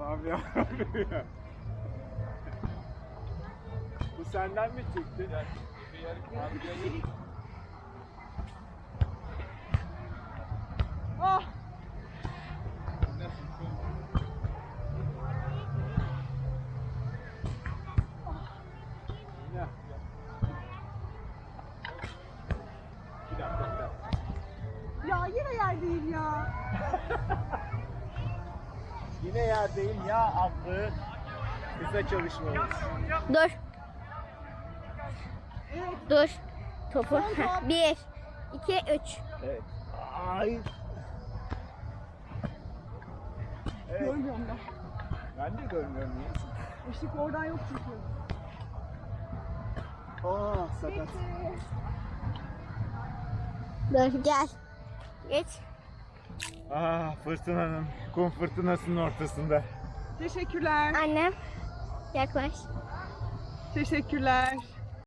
Allah'ım ya. Bu senden mi çıktı? Ah! Ya. Bir dakika. Ya yine yer değil ya. Yine yerdeyim ya Aslı. Kısa çalışmamız. Dur. Evet. Dur. Topu. Son top. 1, 2, 3. Evet. Ay. Evet. Görmüyorum ben. Ben de görmüyorum ya. Işık oradan yok çünkü. Aa sakat. Dur gel. Geç. Fırtınanın, kum fırtınasının ortasında. Teşekkürler. Annem. Yaklaş. Teşekkürler.